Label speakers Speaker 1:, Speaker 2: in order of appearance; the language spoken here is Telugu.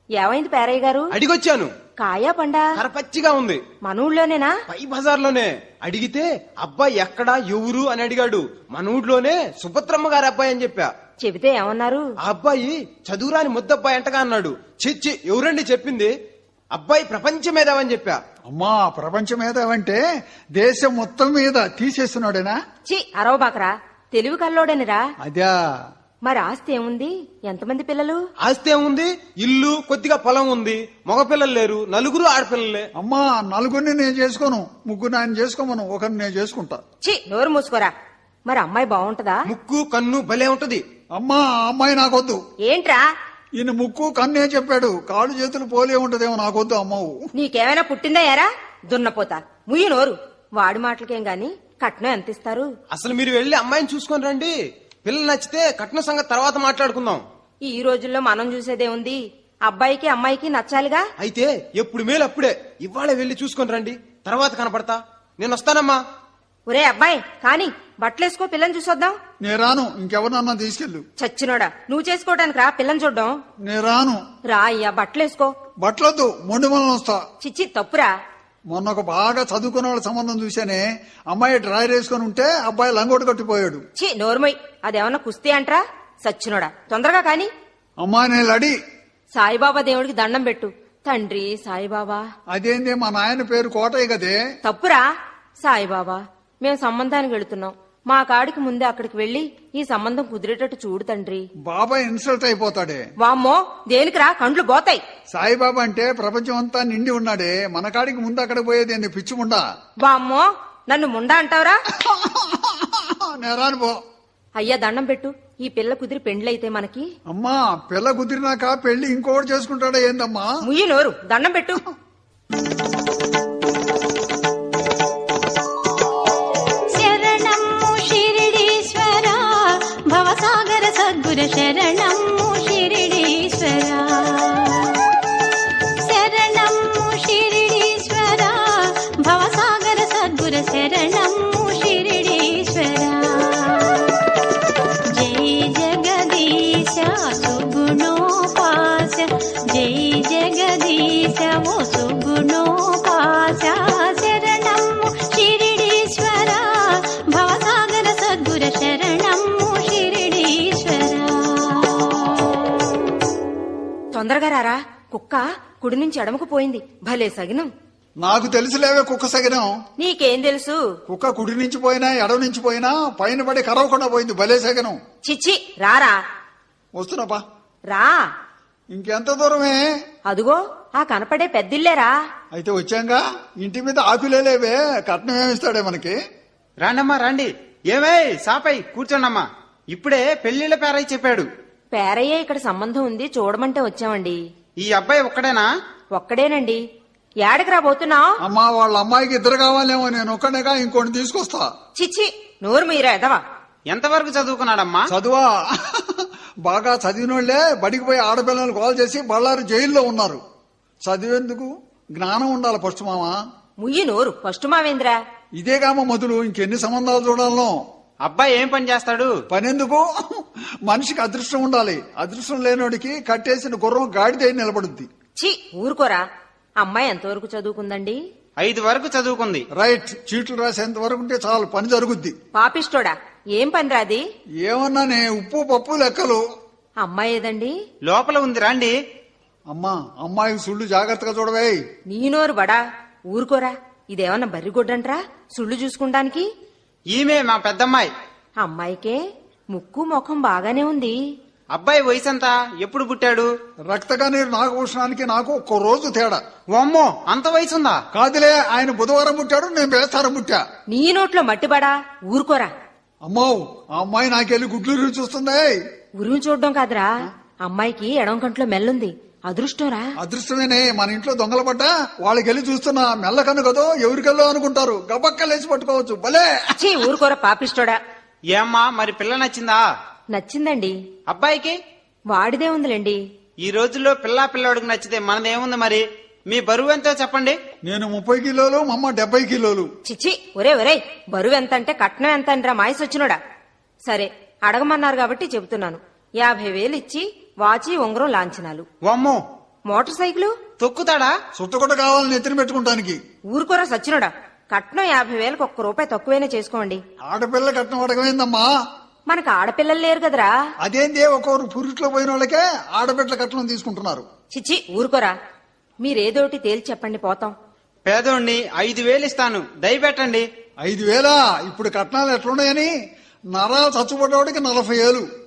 Speaker 1: ఏమైంది పేరయ్య గారు?
Speaker 2: అడిగొచ్చాను.
Speaker 1: కాయా పండా?
Speaker 2: కరపచ్చిగా ఉంది.
Speaker 1: మన ఊళ్ళోనేనా?
Speaker 2: పై బజార్లోనే. అడిగితే అబ్బాయి ఎక్కడా ఎవరు అని అడిగాడు. మన ఊళ్ళోనే సుభద్రమ్మ గారి అబ్బాయి అని చెప్పా.
Speaker 1: చెబితే ఏమన్నారు?
Speaker 2: ఆ అబ్బాయి చదువురాని ముద్దబ్బాయి అంటగా అన్నాడు. చిచ్చి ఎవరండి చెప్పింది? అబ్బాయి ప్రపంచ మేధావని చెప్పా.
Speaker 3: అమ్మా, ప్రపంచ మేధావంటే దేశం మొత్తం మీద తీసేస్తున్నాడేనా?
Speaker 1: చి అరవబాకరా, తెలివి కల్లోడనిరా.
Speaker 3: అదా?
Speaker 1: మరి ఆస్తి ఏముంది? ఎంతమంది పిల్లలు?
Speaker 2: ఆస్తి ఏముంది? ఇల్లు, కొద్దిగా పొలం ఉంది. మగపిల్లలు లేరు, నలుగురు ఆడపిల్లలే.
Speaker 3: అమ్మా, నలుగురిని నేను చేసుకోను, ముగ్గురు ఆయన చేసుకోమను, ఒకరిని నేను చేసుకుంటా.
Speaker 1: చి నోరు మూసుకోరా. మరి అమ్మాయి బాగుంటదా?
Speaker 2: ముక్కు కన్ను భలే ఉంటది.
Speaker 3: అమ్మా, ఆ అమ్మాయి నాకొద్దు.
Speaker 1: ఏంట్రా?
Speaker 3: ఈయన ముక్కు కన్నే చెప్పాడు, కాళ్ళు చేతులు పోలే ఉంటదేమో, నాకొద్దు అమ్మవు.
Speaker 1: నీకేమైనా పుట్టిందా యారా? దున్నపోతా ముయ్యి నోరు. వాడి మాటలకేం గాని కట్నం ఎంత ఇస్తారు?
Speaker 2: అసలు మీరు వెళ్లి అమ్మాయిని చూసుకొని రండి. పిల్లలు నచ్చితే కట్న సంగతి తర్వాత మాట్లాడుకుందాం.
Speaker 1: ఈ రోజుల్లో మనం చూసేదే ఉంది. అబ్బాయికి అమ్మాయికి నచ్చాలిగా.
Speaker 2: అయితే ఎప్పుడు మేలు అప్పుడే. ఇవాళ వెళ్లి చూసుకొని రండి, తర్వాత కనపడతా. నేను వస్తానమ్మా.
Speaker 1: ఒరే అబ్బాయి కాని బట్టలేసుకో, పిల్లని చూసొద్దాం.
Speaker 3: నేను రాను, ఇంకెవరినన్నా తీసుకెళ్ళు.
Speaker 1: చచ్చినోడా, నువ్వు చేసుకోవడానికి రా, పిల్లని చూడ్డం.
Speaker 3: నేను రాను.
Speaker 1: రా అయ్యా, బట్టలేసుకో.
Speaker 3: బట్టలొద్దు, మొండి మనం వస్తా.
Speaker 1: చిచ్చి తప్పురా.
Speaker 3: మొన్న ఒక బాగా చదువుకున్న వాళ్ళ సంబంధం చూశానే, అమ్మాయి డ్రైర్ వేసుకుని ఉంటే అబ్బాయి లంగోటు కట్టిపోయాడు.
Speaker 1: చి నోర్మయ్, అదేమన్నా కుస్తీ అంట్రా? సచ్చినోడా, తొందరగా కాని.
Speaker 3: అమ్మాయి నేను లడి.
Speaker 1: సాయిబాబా దేవుడికి దండం పెట్టు. తండ్రి సాయిబాబా.
Speaker 3: అదేంది, మా నాయన పేరు కోటయ్య కదే.
Speaker 1: తప్పురా. సాయిబాబా, మేం సంబంధానికి వెళుతున్నాం. మా కాడికి ముందే అక్కడికి వెళ్లి ఈ సంబంధం కుదిరేటట్టు చూడు తండ్రి.
Speaker 3: బాబాయ్ ఇన్సల్ట్ అయిపోతాడే.
Speaker 1: వామ్మో, దేనికిరా, కండ్లు పోతాయి.
Speaker 3: సాయిబాబా అంటే ప్రపంచం అంతా నిండి ఉన్నాడే, మన కాడికి ముందు అక్కడికి పోయేది ఏంది పిచ్చిముండా?
Speaker 1: వామ్మో, నన్ను ముండా అంటావురా?
Speaker 3: నేరాను పో.
Speaker 1: అయ్యా దండం పెట్టు. ఈ పిల్ల కుదిరి పెండ్లయితే మనకి.
Speaker 3: అమ్మా, పిల్ల కుదిరినాక పెళ్లి ఇంకోటి చేసుకుంటాడా ఏందమ్మా?
Speaker 1: ముయ్యి నోరు, దండం పెట్టు.
Speaker 4: శరణము షిరిడీశ్వర, భవసాగర సద్గుర శరణము షిరిడీశ్వర. శరణము షిరిడీశ్వర, భవసాగర సద్గుర శరణము షిరిడీశ్వర. జై జగదీశ సుగుణోపాస, జై జగదీశ ఓ సుగుణోపాస. శరణము షిరిడీశ్వర, భవసాగర సద్గుర శరణము షిరిడీశ్వర.
Speaker 1: తొందరగా రారా, కుక్క కుడి నుంచి ఎడమకు పోయింది. భలే సగినం.
Speaker 3: నాకు తెలుసులేవే కుక్క సగినం.
Speaker 1: నీకేం తెలుసు?
Speaker 3: కుక్క కుడి నుంచి పోయినా ఎడవ నుంచి పోయినా పైన పడి కరవకుండా పోయింది. భలే సగనం.
Speaker 1: చిచ్చి రారా.
Speaker 3: వస్తున్నాపా.
Speaker 1: రా.
Speaker 3: ఇంకెంత దూరమే?
Speaker 1: అదుగో ఆ కనపడే పెద్దిల్లేరా.
Speaker 3: అయితే వచ్చాంగా. ఇంటి మీద ఆకులేవే, కట్నం ఏమిస్తాడే మనకి?
Speaker 2: రాండమ్మా రండి. ఏమై సాపై కూర్చోండమ్మా. ఇప్పుడే పెళ్లిళ్ళ పేరై చెప్పాడు.
Speaker 1: పేరయ్యే ఇక్కడ సంబంధం ఉంది, చూడమంటే వచ్చామండి.
Speaker 2: ఈ అబ్బాయి ఒక్కడేనా?
Speaker 1: ఒక్కడేనండి. ఏడకి రాబోతున్నావు?
Speaker 3: అమ్మా, వాళ్ళ అమ్మాయికి ఇద్దరు కావాలేమో, నేను ఒక్కడేగా ఇంకోటి తీసుకొస్తా.
Speaker 1: చిచ్చి నోరు మీరా ఎదవా.
Speaker 2: ఎంతవరకు చదువుకున్నాడమ్మా?
Speaker 3: చదువా? బాగా చదివినోళ్లే బడికి పోయి ఆడపిల్లలు కాల్ చేసి బళ్ళారు జైల్లో ఉన్నారు. చదివేందుకు జ్ఞానం ఉండాలి ఫస్ట్ మామ.
Speaker 1: ముయ్యి నోరు, ఫస్ట్ మావేంద్ర.
Speaker 3: ఇదేగామ మొదలు, ఇంకెన్ని సంబంధాలు చూడాలనో.
Speaker 2: అబ్బాయి ఏం పని చేస్తాడు?
Speaker 3: పనెందుకు? మనిషికి అదృష్టం ఉండాలి. అదృష్టం లేనోడికి కట్టేసిన గుర్రం గాడిద నిలబడుద్ది.
Speaker 1: చి ఊరుకోరా. అమ్మాయి ఎంతవరకు చదువుకుందండి?
Speaker 2: 5 వరకు చదువుకుంది.
Speaker 3: రైట్. చీట్లు రాసేంత వరకు ఉంటే చాలు, పని జరుగుద్ది.
Speaker 1: పాపిష్టోడా, ఏం పని రాది?
Speaker 3: ఏమన్నానే, ఉప్పు పప్పు లెక్కలు.
Speaker 1: అమ్మాయి ఏదండి?
Speaker 2: లోపల ఉంది రండి.
Speaker 3: అమ్మా, అమ్మాయికి సుళ్ళు జాగ్రత్తగా చూడవే.
Speaker 1: నీ నోరు బడా. ఊరుకోరా. ఇదేమన్నా బర్రిగొడ్డంట్రా సుళ్ళు చూసుకుంటానికి?
Speaker 2: ఈమె మా పెద్దమ్మాయి.
Speaker 1: అమ్మాయికే ముక్కు ముఖం బాగానే ఉంది.
Speaker 2: అబ్బాయి వయసు ఎంత? ఎప్పుడు పుట్టాడు?
Speaker 3: రక్తగా నీరు నాగభూషణానికి నాకు ఒక్క రోజు తేడా.
Speaker 2: ఓమ్మో, అంత వయసుందా?
Speaker 3: కాదులే, ఆయన బుధవారం పుట్టాడు, నేను బేస్తారం పుట్టా.
Speaker 1: నీ నోట్లో మట్టిబడా. ఊరుకోరా.
Speaker 3: అమ్మో, ఆ అమ్మాయి నాకెళ్ళి గుడ్లు చూస్తుంది.
Speaker 1: ఉరుము చూడడం కాదురా, అమ్మాయికి ఎడం కంట్లో మెల్లుంది. అదృష్టంరా.
Speaker 3: అదృష్టమేనే. మన ఇంట్లో దొంగలు పడ్డా వాళ్ళకెళ్ళి చూస్తున్నా మెల్లకన్ను కదో ఎవరికెళ్ళో అనుకుంటారు. గబక్కలేసి పట్టుకోవచ్చు. భలే.
Speaker 1: చీ ఊరుకోరా పాపిష్టోడా.
Speaker 2: ఏమ్మా, మరి పిల్ల నచ్చిందా?
Speaker 1: నచ్చిందండి.
Speaker 2: అబ్బాయికి?
Speaker 1: వాడిదే ఉందిలేండి.
Speaker 2: ఈ రోజుల్లో పిల్లాడికి నచ్చితే మనదేముంది మరి? మీ బరువు ఎంతో చెప్పండి.
Speaker 3: నేను 30 కిలోలు, మా అమ్మ 70 కిలోలు.
Speaker 1: చిచ్చి ఒరే బరువు ఎంత అంటే కట్నం ఎంత అంటరా మాయసొచ్చినోడా. సరే అడగమన్నారు కాబట్టి చెబుతున్నాను. 50,000 ఇచ్చి వాచి ఉంగరం లాంఛనాలు.
Speaker 2: వామ్మో,
Speaker 1: మోటార్ సైకిలు
Speaker 2: తొక్కుతాడా?
Speaker 3: సుత్తకొట్ట కావాలని ఎత్తిన పెట్టుకుంటానికి.
Speaker 1: ఊరుకోరా సచ్చినోడా, కట్నం 50,000కు ₹1 తక్కువైనా చేసుకోండి.
Speaker 3: ఆడపిల్ల కట్నం అడగమైందమ్మా.
Speaker 1: మనకు ఆడపిల్లలు లేరు కదరా.
Speaker 3: అదేందే ఒక్కొక్కరు పురుట్లో పోయిన వాళ్ళకే ఆడబిడ్డల కట్నం తీసుకుంటున్నారు.
Speaker 1: చిచ్చి ఊరుకోరా, మీరేదోటి తేల్చి చెప్పండి పోతాం.
Speaker 2: పేదోణ్ణి 5,000 ఇస్తాను, దయపెట్టండి.
Speaker 3: 5,000 ఇప్పుడు కట్నాలు ఎట్లున్నాయని నరాలు చచ్చుపడ్డవాడికి 40,000.